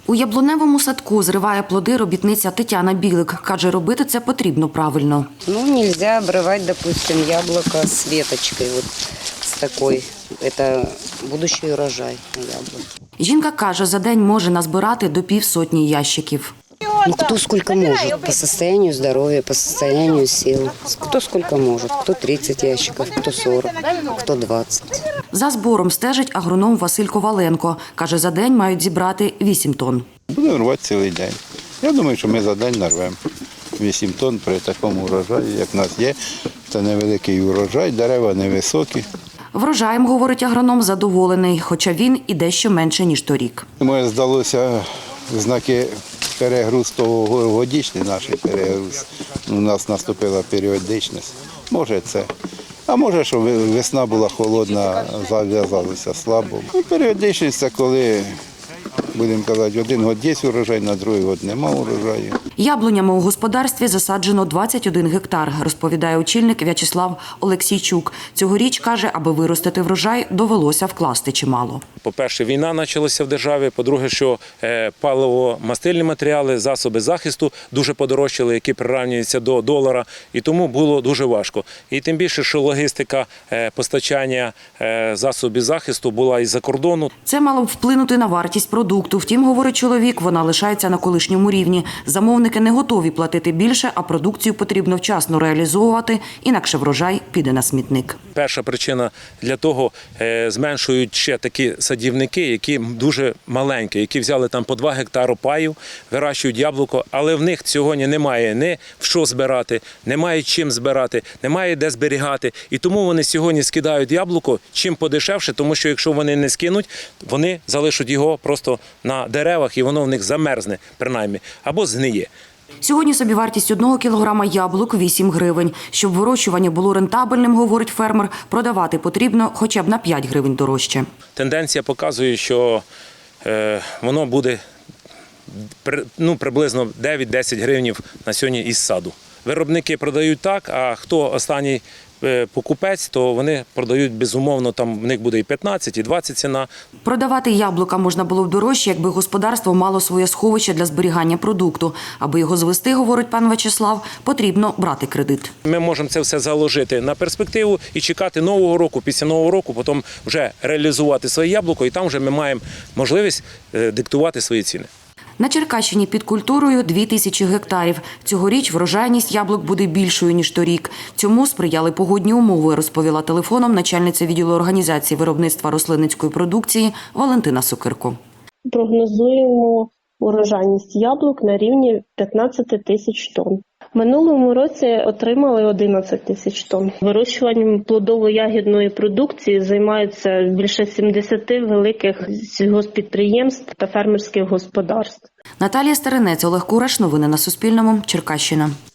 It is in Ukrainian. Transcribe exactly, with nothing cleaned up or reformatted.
У яблуневому садку зриває плоди робітниця Тетяна Білик. Каже, робити це потрібно правильно. Ну, нельзя обрывать, допустим, яблоко с веточкой, вот с такой. Это будущий урожай яблок. Жінка каже, за день може назбирати до півсотні ящиків. Ну, кто сколько может, по состоянию здоровья, по состоянию сил. Кто сколько может, кто тридцать ящиков, кто сорок, кто двадцать. За збором стежить агроном Василь Коваленко. Каже, за день мають зібрати вісім тонн. Будемо рвати цілий день. Я думаю, що ми за день нарвемо вісім тонн при такому урожаї, як в нас є. Це невеликий урожай, дерева невисокі. Врожаєм, говорить агроном, задоволений, хоча він і дещо менше, ніж торік. Мені здалося знаки перегруз того годічний наш перегруз. У нас наступила періодичність. Може це. А може, що весна була холодна, зав'язалися слабо. І періодичність – це коли, будемо казати, один год є урожай, на другий год нема урожаю. Яблунями у господарстві засаджено двадцять один гектар, розповідає очільник В'ячеслав Олексійчук. Цьогоріч, каже, аби виростити врожай, довелося вкласти чимало. По-перше, війна почалася в державі. По-друге, що паливо-мастильні матеріали, засоби захисту дуже подорожчали, які прирівнюються до долара. І тому було дуже важко. І тим більше, що логістика постачання засобів захисту була із-за кордону. Це мало б вплинути на вартість продукту. Втім, говорить чоловік, вона лишається на колишньому рівні. Замовники не готові платити більше, а продукцію потрібно вчасно реалізовувати, інакше врожай піде на смітник. Перша причина для того – зменшують ще такі садівники, які дуже маленькі, які взяли там по два гектари паю, вирощують яблуко, але в них сьогодні немає ні в що збирати, немає чим збирати, немає де зберігати. І тому вони сьогодні скидають яблуко чим подешевше, тому що якщо вони не скинуть, вони залишать його просто на деревах і воно в них замерзне, принаймні, або згниє. Сьогодні собівартість одного кілограма яблук – вісім гривень. Щоб вирощування було рентабельним, говорить фермер, продавати потрібно хоча б на п'ять гривень дорожче. Тенденція показує, що е, воно буде ну, приблизно дев'ять-десять гривень на сьогодні із саду. Виробники продають так, а хто останній покупець, то вони продають безумовно, там в них буде і п'ятнадцять, і двадцять ціна. Продавати яблука можна було б дорожче, якби господарство мало своє сховище для зберігання продукту. Аби його звести, говорить пан В'ячеслав, потрібно брати кредит. Ми можемо це все заложити на перспективу і чекати нового року, після нового року, потім вже реалізувати своє яблуко, і там вже ми маємо можливість диктувати свої ціни. На Черкащині під культурою дві тисячі гектарів. Цьогоріч врожайність яблук буде більшою, ніж торік. Цьому сприяли погодні умови, розповіла телефоном начальниця відділу організації виробництва рослинницької продукції Валентина Сокирко. Прогнозуємо урожайність яблук на рівні п'ятнадцять тисяч тонн. В минулому році отримали одинадцять тисяч тонн. Вирощуванням плодово-ягідної продукції займаються більше сімдесят великих сільгосппідприємств та фермерських господарств. Наталія Старинець, Олег Кураш. Новини на Суспільному. Черкащина.